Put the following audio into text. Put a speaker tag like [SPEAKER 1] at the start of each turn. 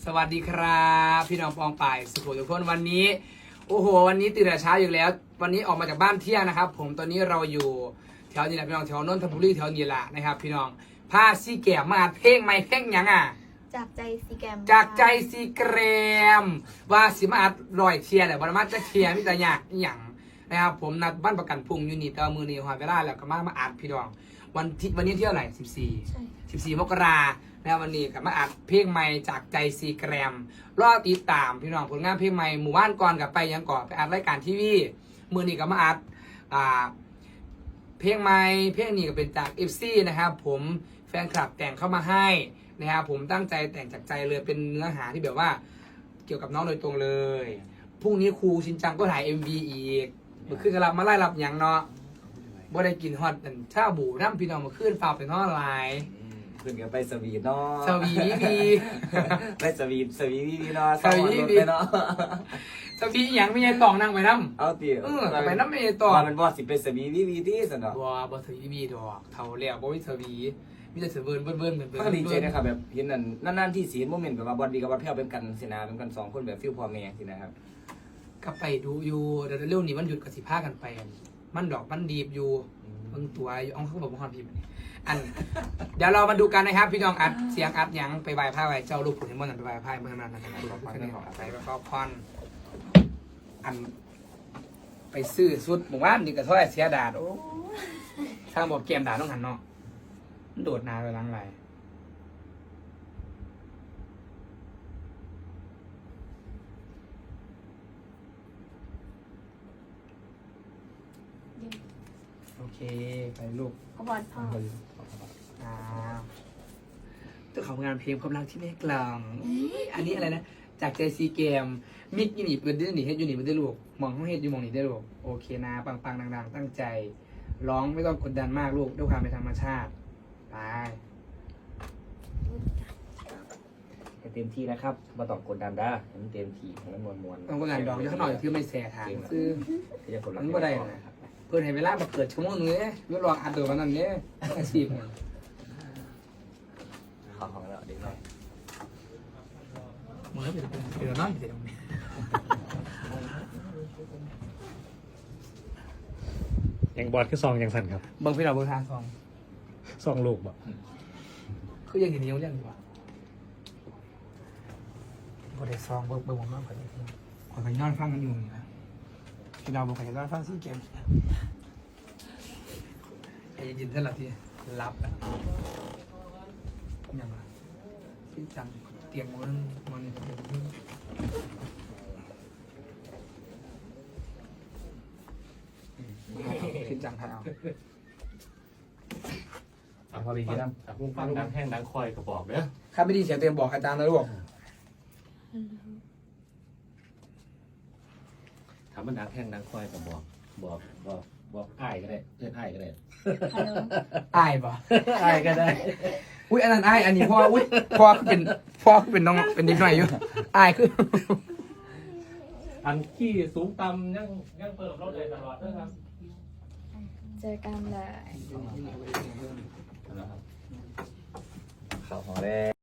[SPEAKER 1] สวัสดีครับพี่น้องปองป่ายสุขุมทุกคนวันนี้โอ้โหวันนี้ตื่นแต่เช้าอยู่แล้ววันนี้ออกมาจากบ้านเที่ยงนะครับผมตอนนี้เราอยู่แถวนี้แหละพี่น้องแถวนนทบุรีแถวนี้แหละนะครับพี่น้องผ้าซีแกมมาเพลงไม่เพลงยังอ่ะ
[SPEAKER 2] จากใจซีแกม
[SPEAKER 1] จากใจซีแกรมว่าสิมาอัดรอยเทียแหละวันมาจะเทียมิตรยากอย่างนะครับผมนัดบ้านประกันพุ่งยูนิตเอามือนี่หอยเวลาแล้วก็มาอัดพี่น้องวันนี้เที่ยวไหน14 มกรานะครับวันนี้กับมาอัดเพลงใหม่จากใจซีแกรมรอติดตามพี่น้องผลงานเพลงใหม่หมู่บ้านก่อนกับไปยังก่อนไปอัดรายการทีวีมือนี้กับมาอัดเพลงใหม่เพลงนี้ก็เป็นจาก FC นะครับผมแฟนคลับแต่งเข้ามาให้นะครับผมตั้งใจแต่งจากใจเลยเป็นเนื้อหาที่แบบว่าเกี่ยวกับน้องโดยตรงเลยพรุ่งนี้ครูชินจังก็ถ่าย MV อีกเมื่อคืนกำลังมาไล่รับอย่างเนาะบ่ได้กินฮอตชาบูน้ำพี่น้องมาขึ้นฝากเป็นท่อไลน์
[SPEAKER 3] ขึ้นกันไปสวีทเนาะ
[SPEAKER 1] สวีดี
[SPEAKER 3] ไปสวีทเนาะสวีทเนาะ
[SPEAKER 1] สวีอย่างไม่ใช่ตองนั่งไปน้ำ
[SPEAKER 3] เอาตี
[SPEAKER 1] ไปน้ำไม่ใช่ตอง
[SPEAKER 3] มันบอสิเป็นสวีที่สุดเนาะ
[SPEAKER 1] บ่สวีดอกเท่าแล้วบ่มีสวีมีแต่เสือเบิร์นเหมือน
[SPEAKER 3] ก็ดีใจนะครับแบบเห็นนั่นที่สีโมเมนต์แบบว่าบอลดีกับบอลเพี้ยวเป็นกันสินะเป็นกัน2 คนแบบฟิลพอแม่สินะครับ
[SPEAKER 1] ก็ไปดูอยู่เดี๋ยวเร็วนี้มันหยุดกับสิผ้ากันไปมันดอกมันดีบอยู่เพิ่งตัวอยู่อ้องเขาบอกว่าความพิมพ์อันเดี๋ยวเรามาดูกันนะครับพี่น้องอัดเสียงอัดยังไปไหว้พระไหว้เจ้าลูกขุนมนต์ไปไหว้พระเมื่อนั้นนะครับดูเราไปขอไปแล้วก็พรอันไปซื้อสุดหมู่บ้านนี่ก็เท่าไหร่เสียดาดโอ้ทางบอกเกมด่าต้องหันเนาะมันโดดนาไปล้างไรโอเคไปลูก
[SPEAKER 2] ขบวนพ่อ
[SPEAKER 1] ตัวของงานเพลงความรักที่ไม่กลางอันนี้อะไรนะจากใจซีเกมมิกยูนิตเป็นได้หนีเฮ็ดยูนิตเป็นได้ลูกมองห้องเฮ็ดยูมองนี่ได้ลูกโอเคนะปังๆดังๆตั้งใจร้องไม่ต้องกดดันมากลูกด้วยความเป็นธรรมชาติไป
[SPEAKER 3] เต็มที่นะครับมาต้องกดดันได้เต็มที่ให้มันมวน
[SPEAKER 1] ต้องกดดันดอกเยอะหน่อยคือไม่แสทางคือมันก็ได้นะครับเพื่อนให้เวลามาเกิดชั่วโมงนึงเนี่ยยกรออัดตัววันนั้นเนี่ยอาชีพ
[SPEAKER 3] ของเราเด็กน้อย
[SPEAKER 1] มือเป็นเดือดร้อนอยู่ตรงนี้
[SPEAKER 4] ยังบอลคือซองยังสั่นครับ
[SPEAKER 1] บางพี่เราเบอร์ทาง
[SPEAKER 4] ซองลูกบ่
[SPEAKER 1] คือยังเห็นนิ้วเรื่องดีกว่าบอได้ซองเบอร์ผมมากกว่านี้ขอไปนอนฟังกันอยู่นะพี่เราบอกไปนอนฟังซีเกมไอ้ยินเท่าไหร่ที่รับอ่ะยังไงพี่จังเตียงมันนี่พี่จังไทยเอา
[SPEAKER 4] พอดีนะฟังดังแห้งดังคอยก็บอกเด้อ
[SPEAKER 1] ข้าไม่ดีเสียงเต็มบอกอาจารย์นะลูก
[SPEAKER 4] ถามมันดังแห้งดังคอยก็บอกอ้ายก็ได้เล่นอ้ายก็ได้
[SPEAKER 1] อ้ายป่ะ
[SPEAKER 4] อ้ายก็ได้
[SPEAKER 1] อุ้ยอันนั้นอ้ายอันนี้พ่ออุ้ยพ่อเป็นน้องเป็นนิดหน่อยอยู่อ้ายคือ
[SPEAKER 4] อันขี้สูงต่ำยังเปิดรถเลยตลอดนะครับ
[SPEAKER 2] เจอกันเลย
[SPEAKER 3] เขาหอแดง